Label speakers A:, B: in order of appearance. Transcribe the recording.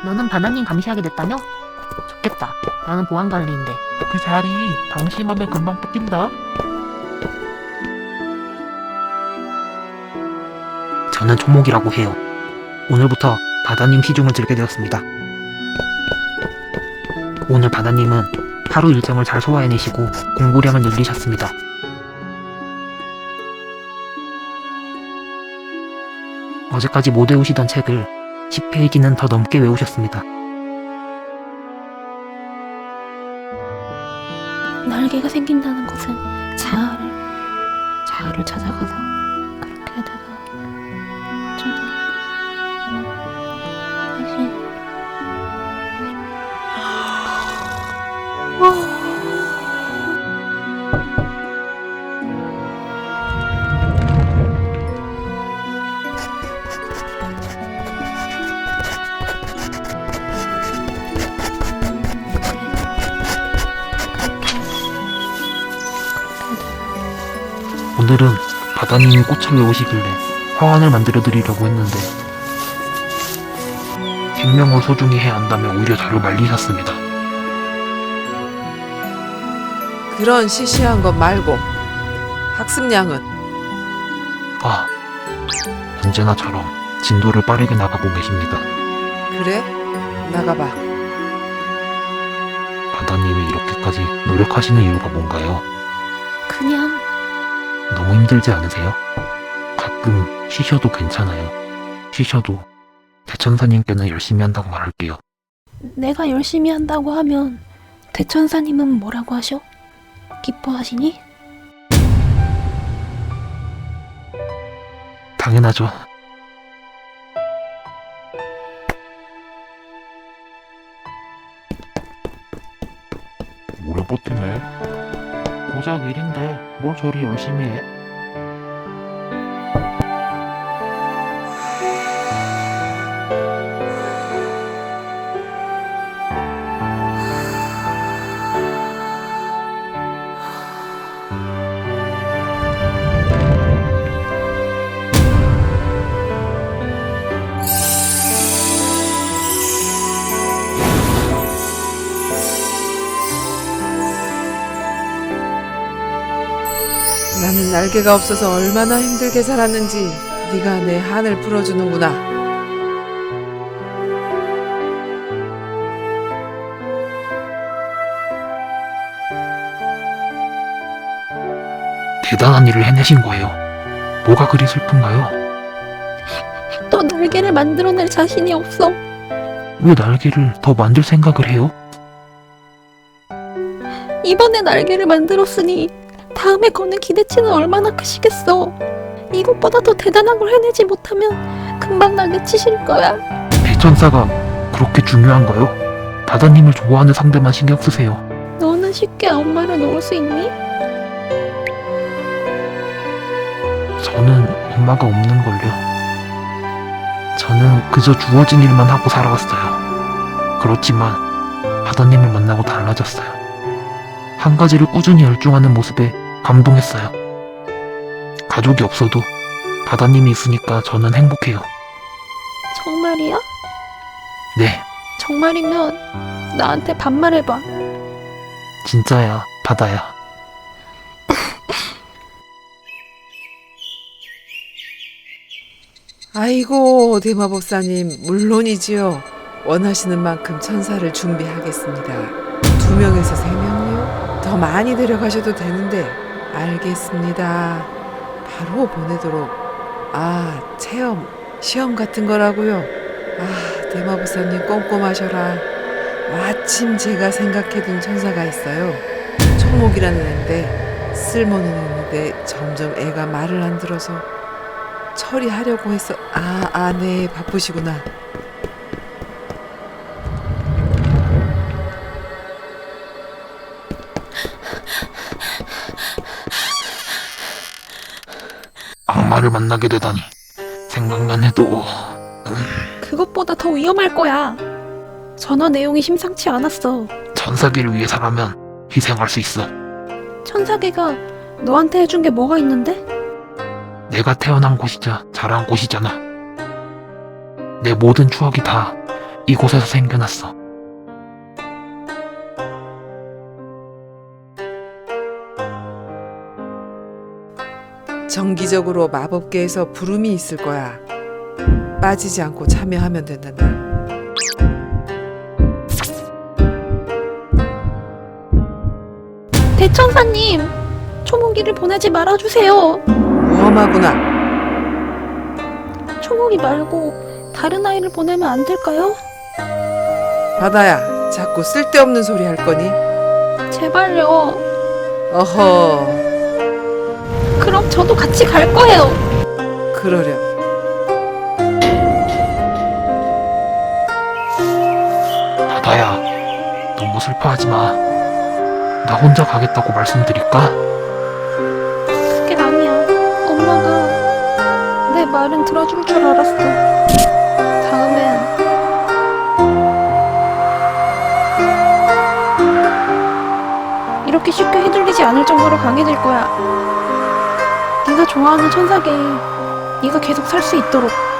A: 너는 바다님 감시하게 됐다며? 좋겠다. 나는 보안관리인데.
B: 그 자리 방심하면 금방 뺏긴다.
C: 저는 초목이라고 해요. 오늘부터 바다님 시중을 들게 되었습니다. 오늘 바다님은 하루 일정을 잘 소화해내시고 공부량을 늘리셨습니다. 어제까지 못 외우시던 책을 10페이지는 더 넘게 외우셨습니다.
D: 날개가 생긴다는 것은 자아를 찾아가서 그렇게 하다가 저는 다시
C: 오늘은 바다님이 꽃을 외우시길래 화환을 만들어드리려고 했는데 생명을 소중히 해야 한다며 오히려 저를 말리셨습니다.
E: 그런 시시한 것 말고 학습량은
C: 아, 언제나처럼 진도를 빠르게 나가고 계십니다.
E: 그래? 나가봐.
C: 바다님이 이렇게까지 노력하시는 이유가 뭔가요?
D: 그냥
C: 너무 힘들지 않으세요? 가끔 쉬셔도 괜찮아요. 쉬셔도 대천사님께는 열심히 한다고 말할게요.
D: 내가 열심히 한다고 하면 대천사님은 뭐라고 하셔? 기뻐하시니?
C: 당연하죠.
B: 오래 버티네.
C: 고작 일인데 뭘 저리 열심히 해?
E: 나는 날개가 없어서 얼마나 힘들게 살았는지 네가 내 한을 풀어주는구나.
C: 대단한 일을 해내신 거예요. 뭐가 그리 슬픈가요?
D: 또 날개를 만들어낼 자신이 없어.
C: 왜 날개를 더 만들 생각을 해요?
D: 이번에 날개를 만들었으니 다음에 거는 기대치는 얼마나 크시겠어. 이것보다 더 대단한 걸 해내지 못하면 금방 날개 치실 거야.
C: 대천사가 그렇게 중요한가요? 바다님을 좋아하는 상대만 신경 쓰세요.
D: 너는 쉽게 엄마를 놓을 수 있니?
C: 저는 엄마가 없는걸요. 저는 그저 주어진 일만 하고 살아왔어요. 그렇지만 바다님을 만나고 달라졌어요. 한 가지를 꾸준히 열중하는 모습에 감동했어요. 가족이 없어도 바다님이 있으니까 저는 행복해요.
D: 정말이야?
C: 네,
D: 정말이면 나한테 반말해봐.
C: 진짜야, 바다야.
E: 아이고 대마법사님 물론이지요. 원하시는 만큼 천사를 준비하겠습니다. 2명에서 3명이요? 더 많이 데려가셔도 되는데 알겠습니다. 바로 보내도록. 시험 같은 거라고요? 대마법사님 꼼꼼하셔라. 마침 제가 생각해둔 천사가 있어요. 초목이라는 애인데 쓸모는 있는데 점점 애가 말을 안 들어서 처리하려고 했어. 네, 바쁘시구나.
C: 악마를 만나게 되다니 생각만 해도
D: 그것보다 더 위험할 거야. 전화 내용이 심상치 않았어.
C: 천사기를 위해서라면 희생할 수 있어.
D: 천사계가 너한테 해준 게 뭐가 있는데?
C: 내가 태어난 곳이자 자란 곳이잖아. 내 모든 추억이 다 이곳에서 생겨났어.
E: 정기적으로 마법계에서 부름이 있을 거야. 빠지지 않고 참여하면 된단다.
D: 대천사님, 초목이를 보내지 말아주세요.
E: 무엄하구나.
D: 초목이 말고 다른 아이를 보내면 안 될까요?
E: 바다야, 자꾸 쓸데없는 소리 할 거니?
D: 제발요.
E: 어허,
D: 그럼 저도 같이 갈 거예요.
E: 그러렴.
C: 바다야, 너무 슬퍼하지 마. 나 혼자 가겠다고 말씀드릴까?
D: 그게 아니야. 엄마가 내 말은 들어줄 줄 알았어. 다음엔 이렇게 쉽게 휘둘리지 않을 정도로 강해질 거야. 네가 좋아하는 천사계에 네가 계속 살 수 있도록.